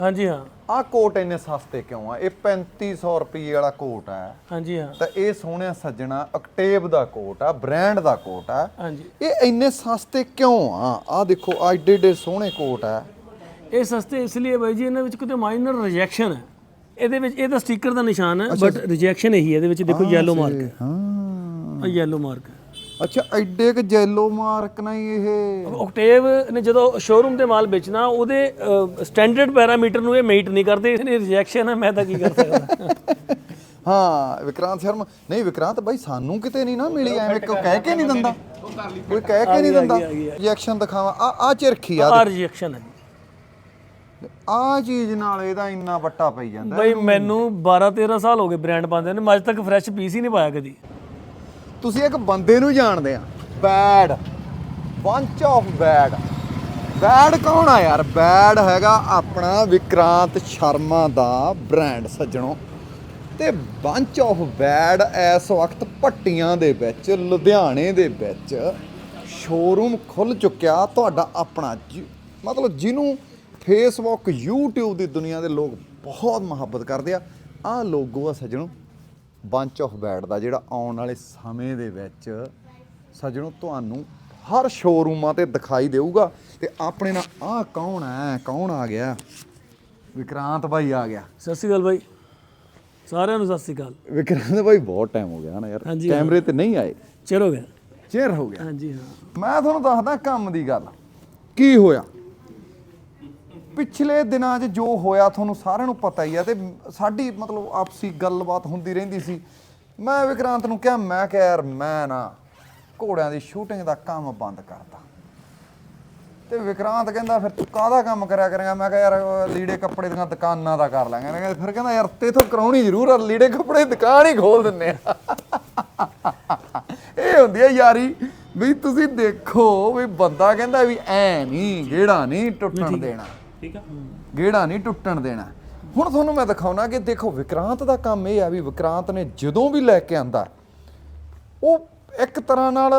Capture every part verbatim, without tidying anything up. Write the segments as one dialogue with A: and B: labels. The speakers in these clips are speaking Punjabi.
A: हाँ जी हाँ
B: ਆ ਕੋਟ ਇੰਨੇ ਸਸਤੇ ਕਿਉਂ ਆ? ਇਹ ਪੈਂਤੀ ਸੌ ਰੁਪਏ ਵਾਲਾ ਕੋਟ ਹੈ।
A: हाँ जी हाँ
B: ਤਾਂ ਇਹ ਸੋਹਣਿਆ ਸੱਜਣਾ ਅਕਟੇਵ ਦਾ ਕੋਟ ਆ, ਬ੍ਰਾਂਡ ਦਾ ਕੋਟ ਆ।
A: हाँ जी
B: ਇਹ ਇੰਨੇ ਸਸਤੇ ਕਿਉਂ ਆ? ਆ ਦੇਖੋ ਆ ਏਡੇ ਏਡੇ ਸੋਹਣੇ ਕੋਟ ਆ।
A: ਇਹ ਸਸਤੇ ਇਸ ਲਈ ਹੈ ਬਾਈ ਜੀ, ਇਹਨਾਂ ਵਿੱਚ ਕਿਤੇ ਮਾਈਨਰ ਰਿਜੈਕਸ਼ਨ ਹੈ। ਇਹਦੇ ਵਿੱਚ ਇਹਦਾ ਸਟicker ਦਾ ਨਿਸ਼ਾਨ ਹੈ, ਬਟ ਰਿਜੈਕਸ਼ਨ ਇਹੀ ਹੈ। ਇਹਦੇ ਵਿੱਚ ਦੇਖੋ ਯੈਲੋ ਮਾਰਕ ਹੈ।
B: ਹਾਂ
A: ਆ ਯੈਲੋ ਮਾਰਕ ਹੈ।
B: ਅੱਛਾ ਐਡੇ ਕ ਜੈਲੋ ਮਾਰਕ ਨਹੀਂ ਇਹ।
A: ਓਕਟੇਵ ਨੇ ਜਦੋਂ ਸ਼ੋਰੂਮ ਤੇ ਮਾਲ ਵੇਚਣਾ, ਉਹਦੇ ਸਟੈਂਡਰਡ ਪੈਰਾਮੀਟਰ ਨੂੰ ਇਹ ਮੀਟ ਨਹੀਂ ਕਰਦੇ। ਇਹਨੇ ਰਿਜੈਕਸ਼ਨ ਹੈ, ਮੈਂ ਤਾਂ ਕੀ ਕਰ ਸਕਦਾ।
B: ਹਾਂ ਵਿਕਰਾਂਤ ਸ਼ਰਮਾ ਨਹੀਂ, ਵਿਕਰਾਂਤ ਬਾਈ ਸਾਨੂੰ ਕਿਤੇ ਨਹੀਂ ਨਾ ਮਿਲੀ, ਐਵੇਂ ਕੋਈ ਕਹਿ ਕੇ ਨਹੀਂ ਦਿੰਦਾ, ਕੋਈ ਕਹਿ ਕੇ ਨਹੀਂ ਦਿੰਦਾ। ਰਿਐਕਸ਼ਨ ਦਿਖਾਵਾ ਆ ਆ ਚਿਰਖੀ ਆ
A: ਆ ਰਿਜੈਕਸ਼ਨ ਹੈ
B: ਆ ਚੀਜ਼ ਨਾਲ ਇਹਦਾ ਇੰਨਾ ਵੱਟਾ ਪਈ ਜਾਂਦਾ।
A: ਬਾਈ ਮੈਨੂੰ ਬਾਰਾਂ ਤੇਰਾਂ ਸਾਲ ਹੋ ਗਏ ਬ੍ਰਾਂਡ ਪਾਉਂਦੇ ਨੇ, ਮੈਂ ਅੱਜ ਤੱਕ ਫਰੈਸ਼ ਪੀਸ ਹੀ ਨਹੀਂ ਪਾਇਆ ਕਦੀ।
B: ਤੁਸੀਂ ਇੱਕ ਬੰਦੇ ਨੂੰ ਜਾਣਦੇ ਆ, bad bunch of bad. Bad ਕੌਣ ਆ ਯਾਰ? ਬੈਡ ਹੈਗਾ ਆਪਣਾ ਵਿਕਰਾਂਤ ਸ਼ਰਮਾ ਦਾ ਬ੍ਰਾਂਡ ਸੱਜਣੋ। ਤੇ ਬੰਚ ਆਫ ਬੈਡ ਇਸ ਵਕਤ ਭੱਟੀਆਂ ਦੇ ਵਿੱਚ, ਲੁਧਿਆਣੇ ਦੇ ਵਿੱਚ ਸ਼ੋਰੂਮ ਖੁੱਲ ਚੁੱਕਿਆ ਤੁਹਾਡਾ ਆਪਣਾ। ਮਤਲਬ ਜਿਹਨੂੰ ਫੇਸਬੁੱਕ YouTube ਦੀ ਦੁਨੀਆ ਦੇ ਲੋਕ ਬਹੁਤ ਮੁਹੱਬਤ ਕਰਦੇ ਆ। ਆਹ ਲੋਗੋ ਆ ਸੱਜਣੋ ਬੰਚ ਆਫ ਬੈਡ ਦਾ, ਜਿਹੜਾ ਆਉਣ ਵਾਲੇ ਸਮੇਂ ਦੇ ਵਿੱਚ ਸੱਜਣੋ ਤੁਹਾਨੂੰ ਹਰ ਸ਼ੋਰੂਮਾਂ ਤੇ ਦਿਖਾਈ ਦੇਊਗਾ। ਤੇ ਆਪਣੇ ਨਾਲ ਆਹ ਕੌਣ ਹੈ? ਕੌਣ ਆ ਗਿਆ? ਵਿਕਰਾਂਤ ਬਾਈ ਆ ਗਿਆ।
A: ਸਤਿ ਸ਼੍ਰੀ ਅਕਾਲ ਬਾਈ, ਸਾਰਿਆਂ ਨੂੰ ਸਤਿ ਸ਼੍ਰੀ ਅਕਾਲ।
B: ਵਿਕਰਾਂਤ ਬਾਈ ਬਹੁਤ ਟਾਈਮ ਹੋ ਗਿਆ ਨਾ ਯਾਰ, ਕੈਮਰੇ ਤੇ ਨਹੀਂ ਆਏ,
A: ਚਿਰ ਹੋ ਗਿਆ।
B: ਚਿਰ ਹੋ ਗਿਆ।
A: ਹਾਂਜੀ ਹਾਂ
B: ਮੈਂ ਤੁਹਾਨੂੰ ਦੱਸਦਾ ਕੰਮ ਦੀ ਗੱਲ ਕੀ ਹੋਇਆ ਪਿਛਲੇ ਦਿਨਾਂ 'ਚ। ਜੋ ਹੋਇਆ ਤੁਹਾਨੂੰ ਸਾਰਿਆਂ ਨੂੰ ਪਤਾ ਹੀ ਆ। ਤੇ ਸਾਡੀ ਮਤਲਬ ਆਪਸੀ ਗੱਲਬਾਤ ਹੁੰਦੀ ਰਹਿੰਦੀ ਸੀ। ਮੈਂ ਵਿਕਰਾਂਤ ਨੂੰ ਕਿਹਾ, ਮੈਂ ਕਿਹਾ ਯਾਰ ਮੈਂ ਨਾ ਘੋੜਿਆਂ ਦੀ ਸ਼ੂਟਿੰਗ ਦਾ ਕੰਮ ਬੰਦ ਕਰਤਾ। ਤੇ ਵਿਕਰਾਂਤ ਕਹਿੰਦਾ ਫਿਰ ਤੂੰ ਕਾਹਦਾ ਕੰਮ ਕਰਿਆ ਕਰੇਗਾ? ਮੈਂ ਕਿਹਾ ਯਾਰ ਲੀੜੇ ਕੱਪੜੇ ਦੀਆਂ ਦੁਕਾਨਾਂ ਦਾ ਕਰ ਲਾਂਗੇ। ਫਿਰ ਕਹਿੰਦਾ ਯਾਰ ਤੇਥੋਂ ਕਰਾਉਣੀ ਜ਼ਰੂਰ ਆ, ਲੀੜੇ ਕੱਪੜੇ ਦੀ ਦੁਕਾਨ ਹੀ ਖੋਲ ਦਿੰਨੇ ਆ। ਇਹ ਹੁੰਦੀ ਆ ਯਾਰੀ ਵੀ ਤੁਸੀਂ ਦੇਖੋ ਵੀ ਬੰਦਾ ਕਹਿੰਦਾ ਵੀ ਐ ਨਹੀਂ ਗੇੜਾ ਨਹੀਂ ਟੁੱਟਣ ਦੇਣਾ,
A: ਠੀਕ ਆ,
B: ਗੇੜਾ ਨਹੀਂ ਟੁੱਟਣ ਦੇਣਾ। ਹੁਣ ਤੁਹਾਨੂੰ ਮੈਂ ਦਿਖਾਉਣਾ ਕਿ ਦੇਖੋ ਵਿਕਰਾਂਤ ਦਾ ਕੰਮ ਇਹ ਆ ਵੀ ਵਿਕਰਾਂਤ ਨੇ ਜਦੋਂ ਵੀ ਲੈ ਕੇ ਆਂਦਾ ਉਹ ਇੱਕ ਤਰ੍ਹਾਂ ਨਾਲ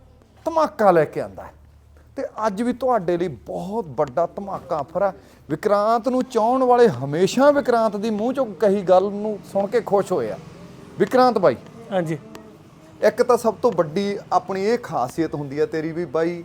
B: ਧਮਾਕਾ ਲੈ ਕੇ ਆਂਦਾ। ਤੇ ਅੱਜ ਵੀ ਤੁਹਾਡੇ ਲਈ ਬਹੁਤ ਵੱਡਾ ਧਮਾਕਾ ਆਫਰ ਆ। ਵਿਕਰਾਂਤ ਨੂੰ ਚਾਹਣ ਵਾਲੇ ਹਮੇਸ਼ਾ ਵਿਕਰਾਂਤ ਦੀ ਮੂੰਹ ਚੋਂ ਕਹੀ ਗੱਲ ਨੂੰ ਸੁਣ ਕੇ ਖੁਸ਼ ਹੋਏ ਆ। ਵਿਕਰਾਂਤ ਬਾਈ
A: ਹਾਂਜੀ
B: ਇੱਕ ਤਾਂ ਸਭ ਤੋਂ ਵੱਡੀ ਆਪਣੀ ਇਹ ਖਾਸੀਅਤ ਹੁੰਦੀ ਹੈ ਤੇਰੀ ਵੀ ਬਾਈ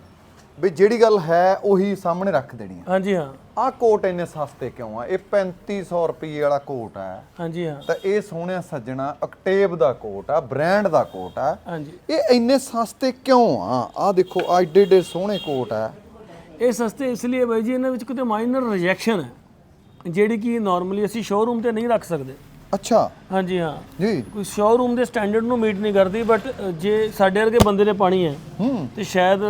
B: ਵੀ ਜਿਹੜੀ ਗੱਲ ਹੈ ਉਹੀ ਸਾਹਮਣੇ ਰੱਖ ਦੇਣੀ ਹੈ।
A: ਹਾਂਜੀ ਹਾਂ
B: ਆਹ ਕੋਟ ਇੰਨੇ ਸਸਤੇ ਕਿਉਂ ਆ? ਇਹ ਪੈਂਤੀ ਸੌ ਰੁਪਏ ਵਾਲਾ ਕੋਟ ਹੈ।
A: ਹਾਂਜੀ ਹਾਂ
B: ਤਾਂ ਇਹ ਸੋਹਣਿਆ ਸੱਜਣਾ ਅਕਟੇਵ ਦਾ ਕੋਟ ਆ, ਬ੍ਰਾਂਡ ਦਾ ਕੋਟ ਆ।
A: ਹਾਂਜੀ
B: ਇਹ ਇੰਨੇ ਸਸਤੇ ਕਿਉਂ ਆ? ਆਹ ਦੇਖੋ ਆ ਏਡੇ ਏਡੇ ਸੋਹਣੇ ਕੋਟ ਆ।
A: ਇਹ ਸਸਤੇ ਇਸ ਲਈ ਹੈ ਬਾਈ ਜੀ, ਇਹਨਾਂ ਵਿੱਚ ਕਿਤੇ ਮਾਈਨਰ ਰਿਜੈਕਸ਼ਨ ਹੈ, ਜਿਹੜੀ ਕਿ ਨਾਰਮਲੀ ਅਸੀਂ ਸ਼ੋਰੂਮ ਤੇ ਨਹੀਂ ਰੱਖ ਸਕਦੇ।
B: ਅੱਛਾ
A: ਹਾਂਜੀ ਹਾਂ
B: ਜੀ
A: ਕੋਈ ਸ਼ੋਰੂਮ ਦੇ ਸਟੈਂਡਰਡ ਨੂੰ ਮੀਟ ਨਹੀਂ ਕਰਦੀ। ਬਟ ਜੇ ਸਾਡੇ ਵਰਗੇ ਬੰਦੇ ਨੇ ਪਾਣੀ ਹੈ
B: ਹੂੰ
A: ਤੇ ਸ਼ਾਇਦ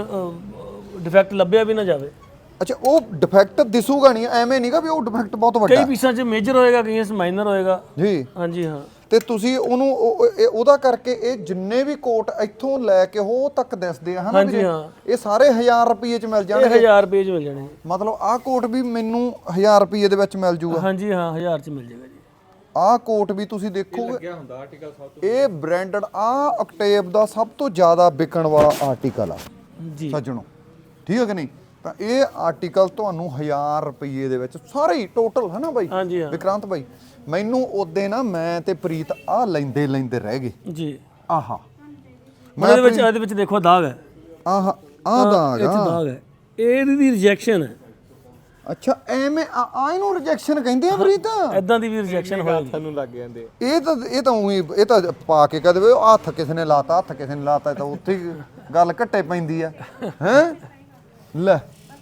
A: ਡਿਫੈਕਟ ਲੱਭਿਆ ਵੀ ਨਾ ਜਾਵੇ।
B: ਅੱਛਾ ਉਹ ਡਿਫੈਕਟ ਦਿਸੂਗਾ ਨਹੀਂ, ਐਵੇਂ ਨਹੀਂਗਾ ਵੀ ਉਹ ਡਿਫੈਕਟ ਬਹੁਤ ਵੱਡਾ
A: ਕਈ ਪੀਸਾਂ 'ਚ ਮੇਜਰ ਹੋਏਗਾ, ਕਈਆਂ 'ਚ ਮਾਈਨਰ ਹੋਏਗਾ।
B: ਜੀ।
A: ਹਾਂਜੀ ਹਾਂ
B: ਤੇ ਤੁਸੀਂ ਉਹਨੂੰ ਉਹ- ਇਹ- ਉਹਦਾ ਕਰਕੇ ਇਹ ਜਿੰਨੇ ਵੀ ਕੋਟ ਇੱਥੋਂ ਲੈ ਕੇ ਉਹ ਤੱਕ ਦਿਸਦੇ ਆ ਹਨਾ
A: ਹਾਂਜੀ
B: ਵੀਰੇ?
A: ਹਾਂ
B: ਇਹ ਸਾਰੇ ਹਜ਼ਾਰ ਰੁਪਏ ਚ ਮਿਲ
A: ਇਹ
B: ਜਾਣਗੇ।
A: ਹਜ਼ਾਰ ਰੁਪਏ 'ਚ ਮਿਲ ਜਾਣੇ।
B: ਮਤਲਬ ਆਹ ਕੋਟ ਵੀ ਮੈਨੂੰ ਹਜ਼ਾਰ ਰੁਪਏ ਦੇ ਵਿੱਚ ਮਿਲ ਜੂਗਾ।
A: ਹਾਂਜੀ ਹਾਂ ਹਜ਼ਾਰ 'ਚ ਮਿਲ ਜਾਏਗਾ ਜੀ।
B: ਆਹ ਕੋਟ ਵੀ ਤੁਸੀਂ ਦੇਖੋਗੇ ਇਹ ਬ੍ਰਾਂਡਡ ਆਹ ਅਕਟੇਵ ਦਾ ਸਭ ਤੋਂ ਜ਼ਿਆਦਾ ਵਿਕਣ ਵਾਲਾ ਆਰਟੀਕਲ ਆ
A: ਜੀ
B: ਸੱਜਣੋ, ਠੀਕ ਹੈ ਕਿ ਨਹੀਂ? ਤਾਂ ਇਹ ਆਰਟੀਕਲ ਤੁਹਾਨੂੰ ਹਜ਼ਾਰ ਰੁਪਏ ਦੇ ਵਿੱਚ ਸਾਰੇ ਹੀ ਟੋਟਲ ਹੈ ਨਾ ਬਾਈ?
A: ਹਾਂਜੀ ਹਾਂ
B: ਵਿਕਰਾਂਤ ਬਾਈ ਮੈਨੂੰ ਉਹਦੇ ਨਾ ਮੈਂ ਤੇ ਪ੍ਰੀਤ ਆਹ ਲੈਂਦੇ ਲੈਂਦੇ ਰਹਿ ਗਏ।
A: ਜੀ
B: ਆਹਾ
A: ਮੈਂ ਇਹਦੇ ਵਿੱਚ ਇਹਦੇ ਵਿੱਚ ਦੇਖੋ ਦਾਗ ਹੈ,
B: ਆਹ ਆਹ ਦਾਗ
A: ਇਹ 'ਚ
B: ਆ।
A: ਦਾਗ ਹੈ, ਇਹਦੀ ਦੀ ਰਿਜੈਕਸ਼ਨ ਹੈ।
B: ਅੱਛਾ ਐਵੇਂ ਆ ਆ ਇਹਨੂੰ ਰਿਜੈਕਸ਼ਨ ਕਹਿੰਦੇ ਆ ਪ੍ਰੀਤ?
A: ਐਦਾਂ ਦੀ ਵੀ ਰਿਜੈਕਸ਼ਨ ਹੋਏਗੀ।
C: ਸਾਨੂੰ ਲੱਗ ਜਾਂਦੇ
B: ਇਹ ਤਾਂ ਇਹ ਤਾਂ ਉਹੀ ਇਹ ਤਾਂ ਪਾ ਕੇ ਕਹਦੇ ਵੇ ਹੱਥ ਕਿਸੇ ਨੇ ਲਾਤਾ, ਹੱਥ ਕਿਸੇ ਨੇ ਲਾਤਾ, ਤਾਂ ਉੱਥੇ ਹੀ ਗੱਲ ਘੱਟੇ ਪੈਂਦੀ ਆ ਹੈ ਲੈ।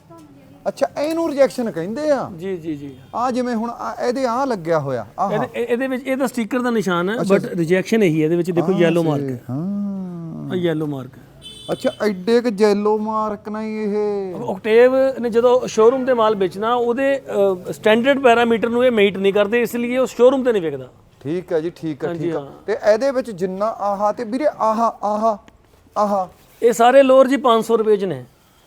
B: ਅੱਛਾ ਇਹਨੂੰ ਰਿਜੈਕਸ਼ਨ ਕਹਿੰਦੇ ਆ?
A: ਜੀ ਜੀ ਜੀ
B: ਆ ਜਿਵੇਂ ਹੁਣ ਆਹ ਇਹਦੇ ਆ ਲੱਗਿਆ ਹੋਇਆ ਆਹ
A: ਇਹਦੇ ਇਹਦੇ ਵਿੱਚ ਇਹਦਾ ਸਟicker ਦਾ ਨਿਸ਼ਾਨ ਹੈ, ਬਟ ਰਿਜੈਕਸ਼ਨ ਇਹੀ ਹੈ। ਇਹਦੇ ਵਿੱਚ ਦੇਖੋ ਯੈਲੋ ਮਾਰਕ ਹੈ।
B: ਹਾਂ
A: ਆ ਯੈਲੋ ਮਾਰਕ ਹੈ।
B: ਅੱਛਾ ਐਡੇ ਕ ਜੈਲੋ ਮਾਰਕ ਨਹੀਂ ਇਹ।
A: ਓਕਟੇਵ ਨੇ ਜਦੋਂ ਸ਼ੋਰੂਮ ਤੇ ਮਾਲ ਵੇਚਣਾ, ਉਹਦੇ ਸਟੈਂਡਰਡ ਪੈਰਾਮੀਟਰ ਨੂੰ ਇਹ ਮੀਟ ਨਹੀਂ ਕਰਦੇ, ਇਸ ਲਈ ਉਹ ਸ਼ੋਰੂਮ ਤੇ ਨਹੀਂ ਵਿਕਦਾ।
B: ਠੀਕ ਹੈ ਜੀ, ਠੀਕ ਹੈ ਠੀਕ ਹੈ। ਤੇ ਇਹਦੇ ਵਿੱਚ ਜਿੰਨਾ ਆਹਾ ਤੇ ਵੀਰੇ ਆਹਾ ਆਹਾ ਆਹਾ
A: ਇਹ ਸਾਰੇ ਲੋਅਰ ਜੀ ਪੰਜ ਸੌ ਰੁਪਏ 'ਚ ਨੇ।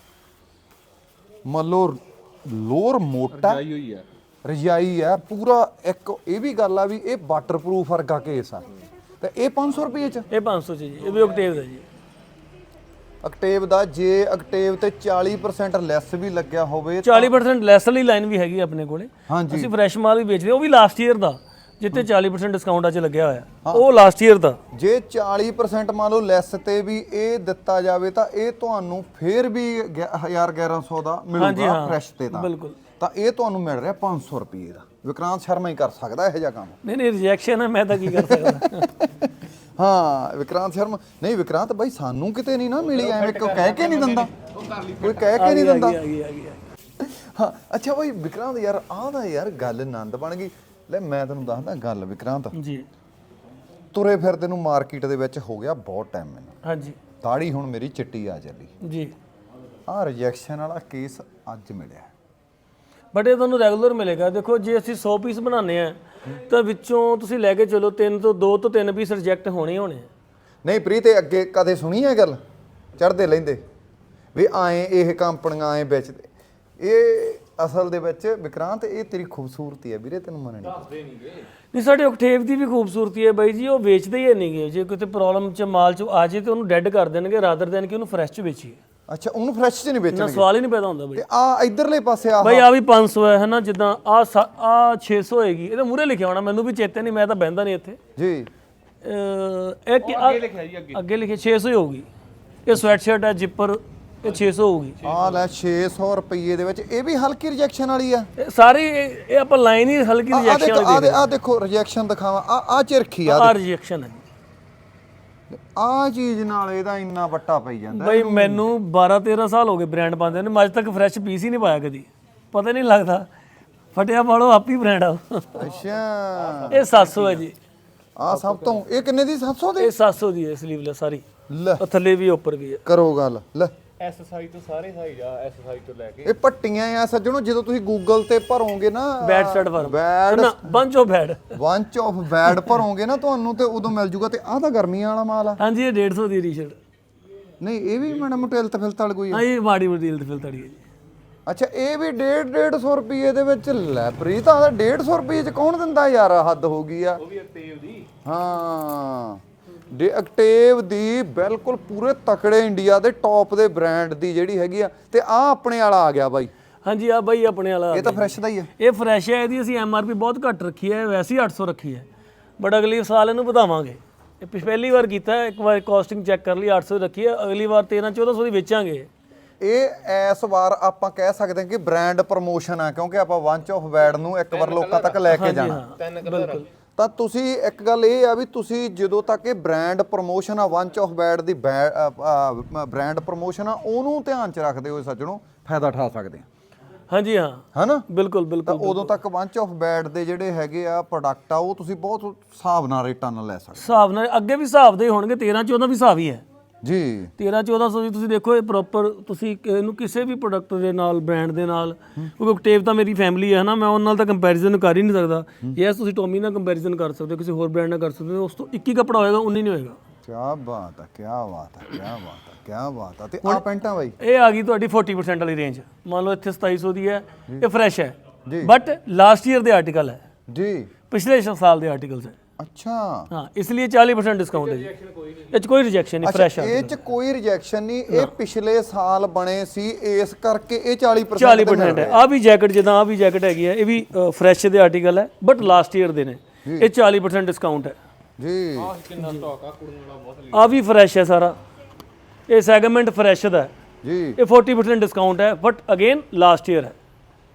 B: ਮੰਨ ਲਓ ਲੋਰ ਮੋਟਾ
C: ਆਈ ਹੋਈ ਆ,
B: ਰਜਾਈ ਆ ਪੂਰਾ। ਇੱਕ ਇਹ ਵੀ ਗੱਲ ਆ ਵੀ ਇਹ ਵਾਟਰਪ੍ਰੂਫ ਵਰਗਾ ਕੇਸ ਆ। ਤੇ ਇਹ ਪੰਜ ਸੌ ਰੁਪਏ ਚ?
A: ਇਹ ਪੰਜ ਸੌ 'ਚ ਜੀ, ਇਹ ਵੀ ਓਕਟੇਵ ਦਾ ਜੀ।
B: ਅਕਟੇਵ ਦਾ ਜੇ ਅਕਟੇਵ ਤੇ ਚਾਲੀ ਪਰਸੈਂਟ ਲੈਸ ਵੀ ਲੱਗਿਆ ਹੋਵੇ
A: ਚਾਲੀ ਪਰਸੈਂਟ ਲੈਸ ਵਾਲੀ ਲਾਈਨ ਵੀ ਹੈਗੀ ਆਪਣੇ ਕੋਲੇ।
B: ਹਾਂਜੀ
A: ਅਸੀਂ ਫਰੈਸ਼ ਮਾਲ ਵੀ ਵੇਚਦੇ, ਉਹ ਵੀ ਲਾਸਟ ਈਅਰ ਦਾ, ਜਿੱਥੇ ਚਾਲੀ ਪਰਸੈਂਟ ਡਿਸਕਾਊਂਟ ਅੱਜ ਲੱਗਿਆ ਹੋਇਆ, ਉਹ ਲਾਸਟ ਈਅਰ ਦਾ।
B: ਜੇ ਚਾਲੀ ਪਰਸੈਂਟ ਮੰਨ ਲਓ ਲੈਸ ਤੇ ਵੀ ਇਹ ਦਿੱਤਾ ਜਾਵੇ ਤਾਂ ਇਹ ਤੁਹਾਨੂੰ ਫੇਰ ਵੀ ਹਜ਼ਾਰ ਗਿਆਰਾਂ ਸੌ ਦਾ ਮਿਲੂਗਾ ਫਰੈਸ਼ ਤੇ ਤਾਂ
A: ਬਿਲਕੁਲ।
B: ਤਾਂ ਇਹ ਤੁਹਾਨੂੰ ਮਿਲ ਰਿਹਾ ਪੰਜ ਸੌ ਰੁਪਏ ਦਾ। ਵਿਕਰਾਂਤ ਸ਼ਰਮਾ ਹੀ ਕਰ ਸਕਦਾ ਇਹੋ ਜਿਹਾ ਕੰਮ।
A: ਨਹੀਂ ਨਹੀਂ ਰਿਜੈਕਸ਼ਨ ਹੈ, ਮੈਂ ਤਾਂ ਕੀ ਕਰ ਸਕਦਾ।
B: ਹਾਂ ਵਿਕਰਾਂਤ ਸ਼ਰਮਾ ਨਹੀਂ, ਵਿਕਰਾਂਤ ਬਾਈ ਸਾਨੂੰ ਕਿਤੇ ਨਹੀਂ ਨਾ ਮਿਲੀ, ਐਵੇਂ ਕੋਈ ਕਹਿ ਕੇ ਨਹੀਂ ਦਿੰਦਾ, ਕੋਈ ਕਹਿ ਕੇ ਨਹੀਂ ਦਿੰਦਾ।
A: ਆ ਗਈ ਆ ਗਈ
B: ਹਾਂ ਅੱਛਾ ਬਾਈ ਵਿਕਰਾਂਤ ਯਾਰ ਆਹ ਦਾ ਯਾਰ ਗੱਲ ਆਨੰਦ ਬਣ ਗਈ। ਲੈ ਮੈਂ ਤੈਨੂੰ ਦੱਸਦਾ ਗੱਲ ਵਿਕਰਾਂਤ,
A: ਜੀ
B: ਤੁਰੇ ਫਿਰਦੇ ਨੂੰ ਮਾਰਕੀਟ ਦੇ ਵਿੱਚ ਹੋ ਗਿਆ ਬਹੁਤ ਟਾਈਮ ਮੈਨੂੰ।
A: ਹਾਂਜੀ
B: ਦਾੜੀ ਹੁਣ ਮੇਰੀ ਚਿੱਟੀ ਆ ਚੱਲੀ।
A: ਜੀ
B: ਆਹ ਰਿਜੈਕਸ਼ਨ ਵਾਲਾ ਕੇਸ ਅੱਜ ਮਿਲਿਆ,
A: ਬਟ ਇਹ ਤੁਹਾਨੂੰ ਰੈਗੂਲਰ ਮਿਲੇਗਾ। ਦੇਖੋ ਜੇ ਅਸੀਂ ਸੌ ਪੀਸ ਬਣਾਉਂਦੇ ਆ ਤਾਂ ਵਿੱਚੋਂ ਤੁਸੀਂ ਲੈ ਕੇ ਚਲੋ ਤਿੰਨ ਤੋਂ ਦੋ ਤੋਂ ਤਿੰਨ ਪੀਸ ਰਿਜੈਕਟ ਹੋਣੇ ਹੋਣੇ ਆ।
B: ਨਹੀਂ ਪ੍ਰੀਤ ਇਹ ਅੱਗੇ ਕਦੇ ਸੁਣੀ ਹੈ ਗੱਲ ਚੜਦੇ ਲੈਂਦੇ ਵੀ ਆਏ ਇਹ ਕੰਪਨੀਆਂ ਆਏ ਵੇਚਦੇ? ਇਹ ਅਸਲ ਦੇ ਵਿੱਚ ਵਿਕਰਾਂਤ ਇਹ ਤੇਰੀ ਖੂਬਸੂਰਤੀ ਹੈ ਵੀਰੇ, ਤੈਨੂੰ ਮੰਨਣੀ
A: ਨਹੀਂ। ਸਾਡੇ ਓਕਟੇਵ ਦੀ ਵੀ ਖੂਬਸੂਰਤੀ ਹੈ ਬਾਈ ਜੀ, ਉਹ ਵੇਚਦੇ ਹੀ ਨਹੀਂਗੇ। ਜੇ ਕਿਤੇ ਪ੍ਰੋਬਲਮ ਚ ਮਾਲ ਚ ਆ ਜੇ ਤੇ ਉਹਨੂੰ ਡੈਡ ਕਰ ਦੇਣਗੇ ਰਾਦਰ ਦੇਣ ਕਿ ਉਹਨੂੰ ਫਰੈਸ਼ ਚ ਵੇਚੀਏ।
B: ਅੱਛਾ ਉਹਨੂੰ ਫਰੈਸ਼ ਚ ਨਹੀਂ
A: ਨਾ
B: ਵੇਚਣਗੇ?
A: ਸਵਾਲ ਹੀ ਨਹੀਂ ਪੈਦਾ ਹੁੰਦਾ ਬਾਈ।
B: ਤੇ ਆ ਇਧਰਲੇ ਪਾਸੇ ਆ
A: ਬਾਈ ਆ ਵੀ ਪੰਜ ਸੌ ਹੈ ਹਨਾ, ਜਿੱਦਾਂ ਆ ਆ ਛੇ ਸੌ ਹੋਏਗੀ, ਇਹਦੇ ਮੂਹਰੇ ਲਿਖਿਆ ਹੋਣਾ, ਮੈਨੂੰ ਵੀ ਚੇਤੇ ਨਹੀਂ, ਮੈਂ ਤਾਂ ਬਹਿੰਦਾ ਨਹੀਂ ਇੱਥੇ
B: ਜੀ।
A: ਇਹ ਅੱਗੇ ਲਿਖਿਆ ਜੀ, ਅੱਗੇ ਅੱਗੇ ਲਿਖਿਆ ਛੇ ਸੌ ਹੀ ਹੋਊਗੀ। ਇਹ ਸਵੈਟ ਸ਼ਰਟ ਹੈ ਜਿੱਪਰ, ਇਹ ਛੇ ਸੌ ਹੋਊਗੀ।
B: ਆ ਲੈ ਛੇ ਸੌ ਰੁਪਏ ਦੇ ਵਿੱਚ ਇਹ ਵੀ ਹਲਕੀ ਰਿਜੈਕਸ਼ਨ ਵਾਲੀ ਆ
A: ਇਹ ਸਾਰੀ ਇਹ ਇਹ ਆਪਾਂ ਲਾਈਨ ਹੀ ਹਲਕੀ ਰਿਜੈਕਸ਼ਨ ਵਾਲੀ ਦੇ
B: ਆ ਦੇਖੋ ਰਿਜੈਕਸ਼ਨ ਦਿਖਾਵਾਂ, ਆ ਆ ਚਿਰਖੀ ਆ
A: ਆ ਰਿਜੈਕਸ਼ਨ ਹੈ
B: ਆ ਚੀਜ਼ ਨਾਲ ਇਹਦਾ ਇੰਨਾ ਵੱਟਾ ਪਈ ਜਾਂਦਾ।
A: ਬਈ ਮੈਨੂੰ ਬਾਰਾਂ ਤੇਰਾਂ ਸਾਲ ਹੋ ਗਏ ਬ੍ਰਾਂਡ ਪਾਉਂਦੇ ਨੇ, ਅੱਜ ਤੱਕ ਫਰੈਸ਼ ਪੀਸ ਹੀ ਨਹੀਂ ਪਾਇਆ ਕਦੀ, ਪਤਾ ਨਹੀਂ ਲੱਗਦਾ। ਫਟਿਆ ਪਾਲੋ ਆਪ ਹੀ ਬ੍ਰਾਂਡ ਆ।
B: ਅੱਛਾ
A: ਇਹ ਸੱਤ ਸੌ ਹੈ ਜੀ।
B: ਆ ਸਭ ਤੋਂ ਇਹ ਕਿੰਨੇ ਦੀ? ਸੱਤ ਸੌ ਦੀ?
A: ਇਹ ਸੱਤ ਸੌ ਦੀ ਹੈ ਸਲੀਵਲੈਸ ਸਾਰੀ,
B: ਲੈ
A: ਉਹ ਥੱਲੇ ਵੀ ਉੱਪਰ ਵੀ ਹੈ।
B: ਕਰੋ ਗੱਲ। ਲੈ
C: ਐਸ ਸਾਈਜ਼ ਤੋਂ ਸਾਰੇ ਸਾਈਜ਼ ਆ, ਐਸ ਸਾਈਜ਼ ਤੋਂ ਲੈ ਕੇ
B: ਇਹ ਪੱਟੀਆਂ ਆ ਸੱਜਣੋ, ਜਦੋਂ ਤੁਸੀਂ ਗੂਗਲ ਤੇ ਭਰੋਗੇ ਨਾ
A: ਬੈਡ ਸ਼ਰਟ ਫਾਰਮ,
B: ਬੈਡ
A: ਨਾ bunch of bad,
B: bunch of bad ਭਰੋਗੇ ਨਾ ਤੁਹਾਨੂੰ ਤੇ ਉਦੋਂ ਮਿਲ ਜੂਗਾ। ਤੇ ਆਹ ਤਾਂ ਗਰਮੀਆਂ ਵਾਲਾ ਮਾਲ ਆ।
A: ਹਾਂਜੀ ਇਹ ਡੇਢ ਸੌ ਦੀ ਟੀ-ਸ਼ਰਟ।
B: ਨਹੀਂ ਇਹ ਵੀ ਮੈਡਮ ਮੋਟੇਲ ਤੇ ਫਿਲਤਲ ਕੋਈ ਆ?
A: ਹਾਂ ਇਹ ਮਾੜੀ ਮੋਟੀ ਹਿਲਤ ਫਿਲਤ ਵਾਲੀ ਹੈ ਜੀ।
B: ਅੱਛਾ ਇਹ ਵੀ ਡੇਢ ਡੇਢ ਸੌ ਰੁਪਏ ਦੇ ਵਿੱਚ। ਲੈ ਪ੍ਰੀਤ ਆ ਡੇਢ ਸੌ ਰੁਪਏ ਚ ਕੌਣ ਦਿੰਦਾ ਯਾਰ, ਹੱਦ ਹੋ ਗਈ ਆ।
C: ਉਹ ਵੀ ਅਕਟੇਵ ਦੀ।
B: ਹਾਂ ਡੇ ਅਕਟੇਵ ਦੀ ਬਿਲਕੁਲ ਪੂਰੇ ਤਕੜੇ ਇੰਡੀਆ ਦੇ ਟੌਪ ਦੇ ਬ੍ਰਾਂਡ ਦੀ ਜਿਹੜੀ ਹੈਗੀ ਆ। ਤੇ ਆ ਆਪਣੇ ਵਾਲਾ ਆ ਗਿਆ ਬਾਈ।
A: ਹਾਂਜੀ ਆ ਬਾਈ ਆਪਣੇ ਵਾਲਾ
B: ਇਹ ਤਾਂ ਫਰੈਸ਼ ਦਾ ਹੀ ਆ।
A: ਇਹ ਫਰੈਸ਼ ਹੈ, ਇਹਦੀ ਅਸੀਂ ਐਮ ਆਰ ਪੀ ਬਹੁਤ ਘੱਟ ਰੱਖੀ ਹੈ, ਵੈਸੇ ਹੀ ਅੱਠ ਸੌ ਰੱਖੀ ਹੈ, ਬਟ ਅਗਲੀ ਸਾਲ ਇਹਨੂੰ ਵਧਾਵਾਂਗੇ। ਇਹ ਪਿਛ ਪਹਿਲੀ ਵਾਰ ਕੀਤਾ, ਇੱਕ ਵਾਰ ਕਾਸਟਿੰਗ ਚੈੱਕ ਕਰ ਲਈ, ਅੱਠ ਸੌ ਰੱਖੀ ਹੈ, ਅਗਲੀ ਵਾਰ ਤੇਰਾਂ ਚੌਦਾਂ ਸੌ ਦੀ ਵੇਚਾਂਗੇ।
B: ਇਹ ਇਸ ਵਾਰ ਆਪਾਂ ਕਹਿ ਸਕਦੇ ਹਾਂ ਕਿ ਬ੍ਰਾਂਡ ਪ੍ਰਮੋਸ਼ਨ ਆ, ਕਿਉਂਕਿ ਆਪਾਂ ਵੰਚ ਆਫ ਬੈਡ ਨੂੰ ਇੱਕ ਵਾਰ ਲੋਕਾਂ ਤੱਕ ਲੈ ਕੇ ਜਾਣਾ।
A: ਬਿਲਕੁਲ।
B: ਤਾਂ ਤੁਸੀਂ ਇੱਕ ਗੱਲ ਇਹ ਆ ਵੀ ਤੁਸੀਂ ਜਦੋਂ ਤੱਕ ਇਹ ਬ੍ਰਾਂਡ ਪ੍ਰਮੋਸ਼ਨ ਆ, ਵੰਚ ਆਫ ਬੈਡ ਦੀ ਬ੍ਰਾਂਡ ਪ੍ਰਮੋਸ਼ਨ ਆ, ਉਹਨੂੰ ਧਿਆਨ ਚ ਰੱਖਦੇ ਹੋਏ ਸੱਜਣੋ ਫਾਇਦਾ ਉਠਾ ਸਕਦੇ ਆ।
A: ਹਾਂਜੀ ਹਾਂ
B: ਹਨਾ
A: ਬਿਲਕੁਲ ਬਿਲਕੁਲ।
B: ਤਾਂ ਉਦੋਂ ਤੱਕ ਵੰਚ ਆਫ ਬੈਡ ਦੇ ਜਿਹੜੇ ਹੈਗੇ ਆ ਪ੍ਰੋਡਕਟ ਆ, ਉਹ ਤੁਸੀਂ ਬਹੁਤ ਹਿਸਾਬ ਨਾਲ ਰੇਟਾਂ ਨਾਲ ਲੈ ਸਕਦੇ
A: ਹਿਸਾਬ ਨਾਲ ਅੱਗੇ ਵੀ ਹਿਸਾਬ ਦੇ ਹੋਣਗੇ, ਤੇਰਾਂ ਚੌਦਾਂ ਵੀ ਹਿਸਾਬ ਹੀ ਹੈ
B: ਜੀ।
A: ਤੇਰਾਂ ਚੌਦਾਂ ਸੌ ਦੀ ਤੁਸੀਂ ਦੇਖੋ, ਇਹ ਪ੍ਰੋਪਰ ਤੁਸੀਂ ਇਹਨੂੰ ਕਿਸੇ ਵੀ ਪ੍ਰੋਡਕਟ ਦੇ ਨਾਲ, ਬ੍ਰਾਂਡ ਦੇ ਨਾਲ, ਕਿਉਂਕਿ ਓਕਟੇਵ ਤਾਂ ਮੇਰੀ ਫੈਮਿਲੀ ਹੈ ਨਾ, ਮੈਂ ਉਹਨਾਂ ਨਾਲ ਤਾਂ ਕੰਪੈਰੀਜ਼ਨ ਕਰ ਹੀ ਨਹੀਂ ਸਕਦਾ। ਯੈਸ ਤੁਸੀਂ ਟੋਮੀ ਨਾਲ ਕੰਪੈਰੀਜ਼ਨ ਕਰ ਸਕਦੇ ਹੋ, ਕਿਸੇ ਹੋਰ ਬ੍ਰਾਂਡ ਨਾਲ ਕਰ ਸਕਦੇ ਹੋ, ਉਸ ਤੋਂ ਇੱਕ ਹੀ ਕੱਪੜਾ ਹੋਏਗਾ, ਉਨੀ ਨਹੀਂ ਹੋਏਗਾ।
B: ਕੀ ਬਾਤ ਆ, ਕੀ ਬਾਤ ਆ, ਕੀ ਬਾਤ ਆ, ਕੀ ਬਾਤ ਆ। ਤੇ ਆ ਪੈਂਟਾਂ ਬਾਈ
A: ਇਹ ਆ ਗਈ ਤੁਹਾਡੀ ਚਾਲੀ ਪਰਸੈਂਟ ਵਾਲੀ ਰੇਂਜ। ਮੰਨ ਲਓ ਇੱਥੇ ਸਤਾਈ ਸੌ ਦੀ ਹੈ, ਇਹ ਫਰੈਸ਼ ਹੈ
B: ਜੀ,
A: ਬਟ ਲਾਸਟ ਈਅਰ ਦੇ ਆਰਟੀਕਲ ਹੈ
B: ਜੀ,
A: ਪਿਛਲੇ ਸਾਲ ਦੇ ਆਰਟੀਕਲਸ ਹੈ।
B: ਅੱਛਾ
A: ਹਾਂ ਇਸ ਲਈ ਚਾਲੀ ਪਰਸੈਂਟ ਡਿਸਕਾਊਂਟ ਹੈ ਜੀ। ਇਹ 'ਚ ਕੋਈ ਰਿਜੈਕਸ਼ਨ ਨਹੀਂ, ਫਰੈਸ਼ ਹੈ।
B: ਇਹ ਚ ਕੋਈ ਰਿਜੈਕਸ਼ਨ ਨਹੀਂ, ਇਹ ਪਿਛਲੇ ਸਾਲ ਬਣੇ ਸੀ ਇਸ ਕਰਕੇ ਇਹ ਚਾਲੀ ਪਰਸੈਂਟ
A: ਚਾਲੀ ਪਰਸੈਂਟ ਹੈ। ਆ ਵੀ ਜੈਕਟ, ਜਿੱਦਾਂ ਆ ਵੀ ਜੈਕਟ ਹੈਗੀ ਹੈ, ਇਹ ਵੀ ਫਰੈਸ਼ ਦੇ ਆਰਟੀਕਲ ਹੈ ਬਟ ਲਾਸਟ ਈਅਰ ਦੇ ਨੇ, ਇਹ ਚਾਲੀ ਪਰਸੈਂਟ ਡਿਸਕਾਊਂਟ ਹੈ
B: ਜੀ।
C: ਕਿੰਨਾ ਸਟਾਕ ਆ ਕੁੜਨ ਵਾਲਾ ਬਹੁਤ।
A: ਆ ਵੀ ਫਰੈਸ਼ ਹੈ ਸਾਰਾ, ਇਹ ਸੈਗਮੈਂਟ ਫਰੈਸ਼ ਦਾ ਹੈ
B: ਜੀ।
A: ਇਹ ਚਾਲੀ ਪਰਸੈਂਟ ਡਿਸਕਾਊਂਟ ਹੈ ਬਟ ਅਗੇਨ ਲਾਸਟ ਈਅਰ ਹੈ।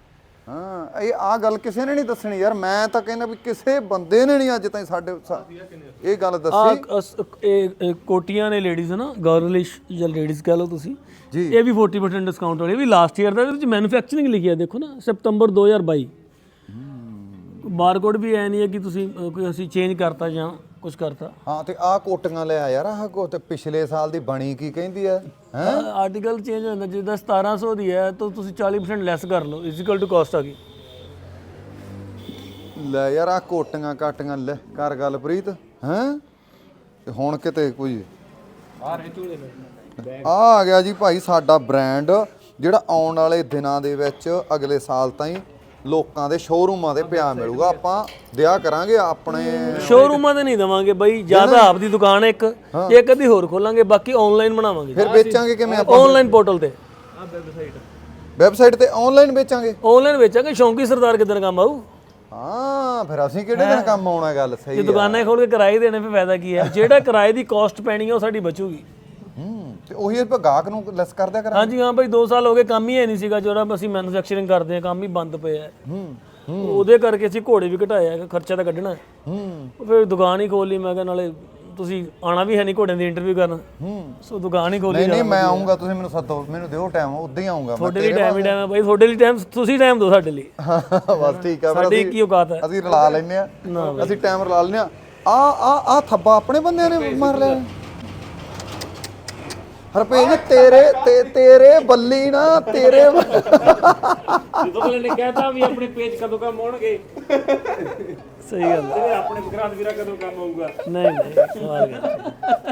B: ਹਾਂ ਇਹ ਆ ਗੱਲ ਕਿਸੇ ਨੇ ਨਹੀਂ ਦੱਸਣੀ ਯਾਰ, ਮੈਂ ਤਾਂ ਕਹਿੰਦਾ ਵੀ ਕਿਸੇ ਬੰਦੇ ਨੇ ਨਹੀਂ ਅੱਜ ਤਾਈਂ ਸਾਡੇ ਸਾ- ਇਹ ਗੱਲ
A: ਆ
B: ਦੱਸੀ।
A: ਇਹ ਕੋਟੀਆਂ ਨੇ ਲੇਡੀਜ਼ ਨਾ, ਗਰਲਿਸ਼ ਜਾਂ ਲੇਡੀਜ਼ ਕਹ ਲਓ ਤੁਸੀਂ
B: ਜੀ।
A: ਇਹ ਵੀ ਚਾਲੀ ਪਰਸੈਂਟ ਡਿਸਕਾਊਂਟ ਵਾਲੀ, ਇਹ ਵੀ ਲਾਸਟ ਈਅਰ ਦਾ। ਇਹਦੇ ਵਿੱਚ ਮੈਨੂਫੈਕਚਰਿੰਗ ਲਿਖੀ ਹੈ ਦੇਖੋ ਨਾ, ਸਤੰਬਰ ਦੋ ਹਜ਼ਾਰ ਬਾਈ। ਬਾਰਕੋਡ ਵੀ ਐ ਨਹੀਂ ਹੈ ਕਿ ਤੁਸੀਂ ਅ, ਕੋਈ ਅਸੀਂ ਚੇਂਜ ਕਰਤਾ ਜਾਂ ਕੁਝ ਕਰਤਾ।
B: ਹਾਂ ਤੇ ਆ ਕੋਟੀਆਂ ਲੈ ਆ ਯਾਰ, ਆਹ ਕੋ ਤੇ ਪਿਛਲੇ ਸਾਲ ਦੀ ਬਣੀ ਕੀ ਕਹਿੰਦੀ ਆ ਹੈ।
A: ਆਰਟੀਕਲ ਚੇਂਜ ਹੋ ਜਾਂਦਾ, ਜਿੱਦਾਂ ਸਤਾਰਾਂ ਸੌ ਦੀ ਹੈ ਤਾਂ ਤੁਸੀਂ ਚਾਲੀ ਪਰਸੈਂਟ ਲੈਸ ਕਰ ਲਓ, ਇਜ਼ੀਕਲ ਟੂ ਕਾਸਟ ਆ ਗਈ।
B: ਲੈ ਯਾਰ ਆ ਕੋਟੀਆਂ ਕਾਟੀਆਂ ਲੈ ਕਰ ਗੱਲ ਪ੍ਰੀਤ ਹੈ। ਤੇ ਹੁਣ ਕਿਤੇ ਕੋਈ
C: ਆ ਰਹੇ ਝੂਲੇ ਨੇ।
B: ਆ ਆ ਗਿਆ ਜੀ ਭਾਈ ਸਾਡਾ ਬ੍ਰਾਂਡ, ਜਿਹੜਾ ਆਉਣ ਵਾਲੇ ਦਿਨਾਂ ਦੇ ਵਿੱਚ ਅਗਲੇ ਸਾਲ ਤਾਈਂ ਲੋਕਾਂ ਦੇ ਸ਼ੋਰੂਮਾਂ ਤੇ ਪਿਆ ਮਿਲੂਗਾ। ਆਪਾਂ ਦਿਆ ਕਰਾਂਗੇ ਆਪਣੇ
A: ਸ਼ੋਰੂਮਾਂ ਤੇ ਨਹੀਂ ਦਵਾਂਗੇ ਬਾਈ, ਜਿਆਦਾ ਆਪਦੀ ਦੁਕਾਨ ਇੱਕ ਇੱਕ ਅੱਧੀ ਹੋਰ ਖੋਲਾਂਗੇ, ਬਾਕੀ ਆਨਲਾਈਨ ਬਣਾਵਾਂਗੇ।
B: ਫਿਰ ਵੇਚਾਂਗੇ ਕਿਵੇਂ ਆਪਾਂ?
A: ਆਨਲਾਈਨ ਪੋਰਟਲ ਤੇ,
C: ਆ ਵੈਬਸਾਈਟ
B: ਵੈਬਸਾਈਟ ਤੇ ਆਨਲਾਈਨ ਵੇਚਾਂਗੇ।
A: ਆਨਲਾਈਨ ਵੇਚਾਂਗੇ। ਸ਼ੌਂਕੀ ਸਰਦਾਰ ਕਿਦਾਂ ਕੰਮ ਆਊ?
B: ਹਾਂ ਫਿਰ ਅਸੀਂ ਕਿਹੜੇ ਦਿਨ ਕੰਮ ਆਉਣਾ? ਗੱਲ ਸਹੀ
A: ਜੇ
B: ਆ।
A: ਦੁਕਾਨਾਂ ਖੋਲ ਕੇ ਕਿਰਾਏ ਦੇਣੇ ਫਿਰ ਫਾਇਦਾ ਕੀ ਹੈ? ਜਿਹੜਾ ਕਿਰਾਏ ਦੀ ਕਾਸਟ ਪੈਣੀ ਹੈ ਉਹ ਸਾਡੀ ਬਚੂਗੀ।
B: ਹੂੰ ਤੇ ਉਹੀ ਆਪਾਂ ਗਾਹਕ ਨੂੰ ਲੈਸ ਕਰ ਦਿਆ ਕਰਾਂਗੇ।
A: ਹਾਂਜੀ ਹਾਂ ਬਾਈ, ਦੋ ਸਾਲ ਹੋ ਗਏ ਕੰਮ ਹੀ ਹੈ ਨਹੀਂ ਸੀਗਾ, ਜਿਹੜਾ ਅਸੀਂ ਮੈਨੂਫੈਕਚਰਿੰਗ ਕਰਦੇ ਹਾਂ ਕੰਮ ਹੀ ਬੰਦ ਪਿਆ ਹੈ।
B: ਹੂੰ
A: ਉਹਦੇ ਕਰਕੇ ਅਸੀਂ ਘੋੜੇ ਵੀ ਘਟਾਇਆ ਕਿ ਖਰਚਾ ਤਾਂ ਕੱਢਣਾ।
B: ਹੂੰ
A: ਫਿਰ ਦੁਕਾਨ ਹੀ ਖੋਲ ਲਈ। ਮੈਂ ਕਿਹਾ ਨਾਲੇ ਤੁਸੀਂ ਆਣਾ ਵੀ ਹੈ ਨਹੀਂ ਘੋੜਿਆਂ ਦੀ ਇੰਟਰਵਿਊ ਕਰਨ,
B: ਹੂੰ
A: ਸੋ ਦੁਕਾਨ ਹੀ ਖੋਲੀ।
B: ਨਹੀਂ ਨਹੀਂ ਮੈਂ ਆਉਂਗਾ, ਤੁਸੀਂ ਮੈਨੂੰ ਸੱਦੋ, ਮੈਨੂੰ ਦਿਓ ਟਾਈਮ, ਉਦਾਂ ਹੀ ਆਉਂਗਾ ਮੈਂ।
A: ਤੁਹਾਡੇ ਲਈ ਟਾਈਮ ਹੀ ਟਾਈਮ ਹੈ ਬਾਈ, ਤੁਹਾਡੇ ਲਈ ਟਾਈਮ, ਤੁਸੀਂ ਟਾਈਮ ਦਿਓ ਸਾਡੇ ਲਈ।
B: ਬਸ ਠੀਕ ਆ। ਫਿਰ
A: ਸਾਡੀ
B: ਅਸੀਂ
A: ਕੀ ਔਕਾਤ ਹੈ?
B: ਅਸੀਂ ਰਲਾ ਲੈਨੇ ਆ, ਅਸੀਂ ਟਾਈਮ ਰਲਾ ਲੈਨੇ ਆ। ਆ ਆ ਆ ਥੱਬਾ ਆਪਣੇ ਬੰਦਿਆਂ ਨੇ ਮਾਰ ਲਿਆ। ਹਰਪੇਜ ਤੇਰੇ ਤੇ ਤੇਰੇ ਬੱਲੀ ਨਾ ਤੇਰੇ
C: ਜਦੋਂ ਅਗਲੇ ਨੇ ਕਹਿਤਾ ਵੀ ਆਪਣੇ ਪੇਜ ਕਦੋਂ ਕੰਮ ਆਉਣਗੇ,
A: ਸਹੀ ਗੱਲ ਹੈ।
C: ਤੇ ਆਪਣੇ ਵਿਕਰਾਂਤ ਵੀਰਾ ਕਦੋਂ ਕੰਮ ਆਊਗਾ।
A: ਨਹੀਂ ਨਹੀਂ ਸਵਾਲ ਗੱਲ।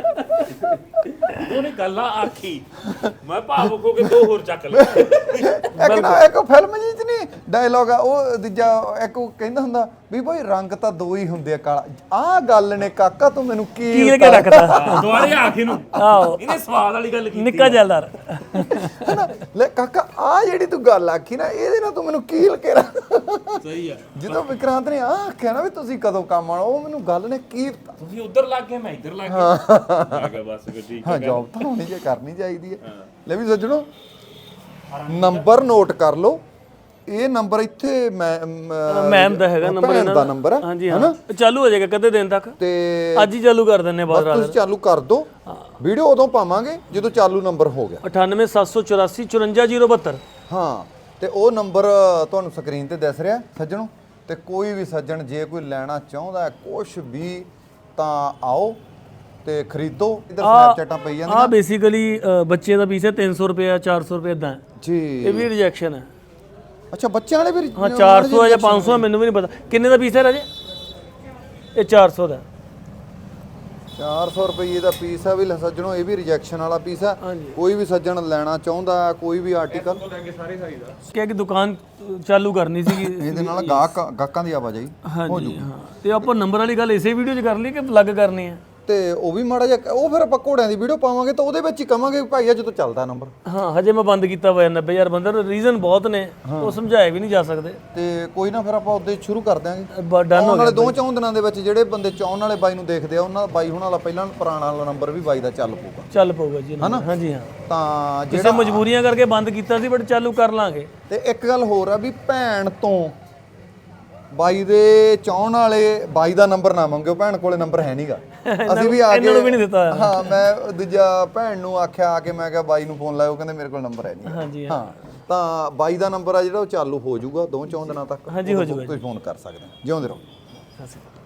C: ਉਹਨੇ ਗੱਲਾਂ ਆਖੀ, ਮੈਂ ਭਾਵੁਕ ਹੋ ਕੇ ਦੋ ਹੋਰ ਚੱਕ ਲਏ।
B: ਇੱਕ ਨਾ ਇੱਕ ਫਿਲਮ ਜੀ ਚ ਨਹੀਂ ਡਾਇਲੌਗ ਆ ਉਹ ਦੂਜਾ, ਇੱਕ ਉਹ ਕਹਿੰਦਾ ਹੁੰਦਾ ਵੀ ਭਾਈ ਰੰਗ ਤਾਂ ਦੋ ਹੀ ਹੁੰਦੇ ਆ, ਕਾਲਾ। ਆਹ ਗੱਲ ਨੇ ਕਾਕਾ ਤੂੰ ਮੈਨੂੰ ਕੀ
A: ਕੀ ਕੇ ਰੱਖਦਾ?
C: ਦੁਆਰੇ ਆਖੀ ਨੂੰ
A: ਆਹੋ,
C: ਇਹਨੇ ਸਵਾਦ ਵਾਲੀ ਗੱਲ ਕੀਤੀ।
A: ਨਿੱਕਾ ਜੈਲਦਾਰ।
B: ਹੈਨਾ? ਲੈ ਕਾਕਾ ਆ ਜਿਹੜੀ ਤੂੰ ਗੱਲ ਆਖੀ ਨਾ, ਇਹਦੇ ਨਾਲ ਤੂੰ ਮੈਨੂੰ ਕੀ ਲਕੇਰਾ।
C: ਸਹੀ ਆ।
B: ਜਦੋਂ ਵਿਕਰਾਂਤ ਨੇ ਆ ਆਖਿਆ ਨਾ ਵੀ ਤੁਸੀਂ ਕਦੋਂ ਕੰਮ ਆਉਣਾ, ਉਹ ਮੈਨੂੰ ਗੱਲ ਨੇ ਕੀ
C: ਤੁਸੀਂ ਉਧਰ ਲੱਗ ਗਏ, ਮੈਂ ਇੱਧਰ ਲੱਗ ਗਿਆ। ਮੈਂ ਕਿਹਾ ਬਸ ਫਿਰ ਠੀਕ
B: ਹਾਂ
C: ਹੈ।
B: ਜੌਬ ਤਾਂ ਹੋਣੀ ਜੇ ਕਰਨੀ ਚਾਹੀਦੀ ਹੈ। ਲੈ ਵੀ ਸੱਜਣੋ ਨੰਬਰ ਨੋਟ ਕਰ ਲਓ। ਇਹ ਨੰਬਰ ਇੱਥੇ ਮੈਂ
A: ਮੈਮ ਦਾ ਹੈਗਾ ਨੰਬਰ,
B: ਭੈਣ
A: ਇਹਨਾਂ
B: ਦਾ ਨੰਬਰ ਹੈ।
A: ਹਾਂਜੀ ਹਾਂ, ਚਾਲੂ ਹੋ ਜਾਏਗਾ ਕਦੇ ਦਿਨ ਤੱਕ।
B: ਤੇ
A: ਅੱਜ ਹੀ ਚਾਲੂ ਕਰ ਦਿੰਨੇ ਬਾਅਦ
B: ਬਸ
A: ਰਾਤ।
B: ਤੁਸੀਂ ਚਾਲੂ ਕਰ ਦਿਓ, ਵੀਡੀਓ ਉਦੋਂ ਪਾਵਾਂਗੇ ਜਦੋਂ ਚਾਲੂ ਨੰਬਰ ਹੋ ਗਿਆ।
A: ਅਠਾਨਵੇਂ ਸੱਤ ਸੌ ਚੁਰਾਸੀ ਚੁਰੰਜਾ ਜ਼ੀਰੋ ਬਹੱਤਰ।
B: ਹਾਂ ਤੇ ਉਹ ਨੰਬਰ ਤੁਹਾਨੂੰ ਸਕਰੀਨ ਤੇ ਦਿਸ ਰਿਹਾ ਸੱਜਣੋ। ਤੇ ਕੋਈ ਵੀ ਸੱਜਣ ਜੇ ਕੋਈ ਲੈਣਾ ਚਾਹੁੰਦਾ ਹੈ ਕੁਛ ਵੀ ਤਾਂ ਆਓ ਤੇ ਖਰੀਦੋ। ਇਧਰ ਸਨੈਪਚੈਟਾਂ ਪਈ ਜਾਂਦੀਆਂ।
A: ਆ ਬੇਸਿਕਲੀ ਬੱਚੇ ਦਾ ਪੀਸ ਹੈ ਤਿੰਨ ਸੌ ਰੁਪਏ ਚਾਰ ਸੌ ਰੁਪਏ ਇਦਾਂ।
B: ਜੀ
A: ਇਹ ਵੀ ਰਿਜੈਕਸ਼ਨ ਹੈ।
B: ਅੱਛਾ ਬੱਚਿਆਂ ਵਾਲੇ ਵੀ
A: ਹਾਂ ਚਾਰ ਸੌ ਹੈ ਜਾਂ ਪੰਜ ਸੌ ਹੈ, ਮੈਨੂੰ ਵੀ ਨਹੀਂ ਪਤਾ ਕਿੰਨੇ ਦਾ ਪੀਸ ਹੈ ਰਾਜੇ। ਇਹ ਚਾਰ ਸੌ ਦਾ
B: ਚਾਰ ਸੌ ਰੁਪਏ ਦਾ ਪੀਸ ਆ ਵੀ ਲੈ ਸੱਜਣੋ। ਇਹ ਵੀ ਰਿਜੈਕਸ਼ਨ ਵਾਲਾ ਪੀਸ ਆ। ਕੋਈ ਵੀ ਸੱਜਣ ਲੈਣਾ ਚਾਹੁੰਦਾ ਹੈ ਕੋਈ ਵੀ ਆਰਟੀਕਲ,
C: ਸਾਰੇ ਸਾਈਜ਼ ਆ।
A: ਕਿ ਦੁਕਾਨ ਚਾਲੂ ਕਰਨੀ ਸੀਗੀ
B: ਇਹਦੇ ਨਾਲ ਗਾਹਕ ਗਾਹਕਾਂ ਦੀ ਆਵਾਜਾਈ ਹੋ ਜੂ।
A: ਹਾਂ, ਤੇ ਆਪਾਂ ਨੰਬਰ ਵਾਲੀ ਗੱਲ ਇਸੇ ਵੀਡੀਓ 'ਚ ਕਰ ਲਈ ਕਿ ਅਲੱਗ ਕਰਨੀ ਹੈ?
B: ਤੇ ਉਹ ਵੀ ਮਾੜਾ ਜਿਹਾ ਉਹ ਫਿਰ ਆਪਾਂ ਘੋੜਿਆਂ ਦੀ ਵੀਡੀਓ ਪਾਵਾਂਗੇ ਤਾਂ ਉਹਦੇ ਵਿੱਚ ਹੀ ਕਵਾਂਗੇ ਭਾਈ ਆ ਜਦੋਂ ਚੱਲਦਾ ਨੰਬਰ।
A: ਹਾਂ ਹਜੇ ਮੈਂ ਬੰਦ ਕੀਤਾ ਹੋਇਆ ਨੱਬੇ ਹਜ਼ਾਰ ਬੰਦਾ। ਰੀਜ਼ਨ ਬਹੁਤ ਨੇ, ਉਹ ਸਮਝਾਏ ਵੀ ਨਹੀਂ ਜਾ ਸਕਦੇ।
B: ਤੇ ਕੋਈ ਨਾ ਫਿਰ ਆਪਾਂ ਉਹਦੇ ਸ਼ੁਰੂ ਕਰ ਦਿਆਂਗੇ।
A: ਡਨ ਹੋ
B: ਆਉਣ
A: ਗਿਆ।
B: ਵਾਲੇ ਦੋ ਚੌਂ ਦਿਨਾਂ ਦੇ ਵਿੱਚ ਜਿਹੜੇ ਬੰਦੇ ਚਾਉਣ ਵਾਲੇ ਬਾਈ ਨੂੰ ਦੇਖਦੇ ਆ ਉਹਨਾਂ ਬਾਈ ਹੁਣ ਵਾਲਾ ਪਹਿਲਾਂ ਪੁਰਾਣਾ ਵਾਲਾ ਨੰਬਰ ਵੀ ਬਾਈ ਦਾ ਚੱਲ ਪਊਗਾ।
A: ਚੱਲ ਪਊਗਾ ਜੀ। ਹਾਂਜੀ ਹਾਂ,
B: ਤਾਂ
A: ਕਿਸੇ
B: ਜਿਹੜਾ
A: ਮਜਬੂਰੀਆਂ ਕਰਕੇ ਬੰਦ ਕੀਤਾ ਸੀ ਬਟ ਚਾਲੂ ਕਰ ਲਾਂਗੇ।
B: ਤੇ ਇੱਕ ਗੱਲ ਹੋਰ ਆ ਵੀ ਭੈਣ ਤੋਂ ਬਾਈ ਦੇ ਚਾਉਣ ਵਾਲੇ ਬਾਈ ਦਾ ਨੰਬਰ ਨਾ ਮੰਗਿਓ, ਭੈਣ ਕੋਲੇ ਨੰਬਰ ਹੈ ਨਹੀਂਗਾ। ਅਸੀਂ ਵੀ ਆ ਕੇ
A: ਇਹਨਾਂ ਨੂੰ ਵੀ ਨਹੀਂ ਦਿੱਤਾ ਹੋਇਆ।
B: ਹਾਂ ਮੈਂ ਦੂਜਾ ਭੈਣ ਨੂੰ ਆਖਿਆ ਆ ਕੇ, ਮੈਂ ਕਿਹਾ ਬਾਈ ਨੂੰ ਫੋਨ ਲਾਇਓ, ਕਹਿੰਦੇ ਮੇਰੇ ਕੋਲ ਨੰਬਰ ਹੈ ਨਹੀਂ।
A: ਹਾਂਜੀ
B: ਹਾਂ ਤਾਂ ਬਾਈ ਦਾ ਨੰਬਰ ਆ ਜਿਹੜਾ ਉਹ ਚਾਲੂ ਹੋ ਜਾਊਗਾ ਦੋ ਚੌਂ ਦਿਨਾਂ ਤੱਕ।
A: ਹਾਂਜੀ ਹੋ ਜਾਊਗਾ।
B: ਤੁਸੀਂ ਫੋਨ ਕਰ ਸਕਦੇ ਹੋ। ਜਿਉਂਦੇ ਰਹੋ।
A: ਸਤਿ ਸ਼੍ਰੀ ਅਕਾਲ।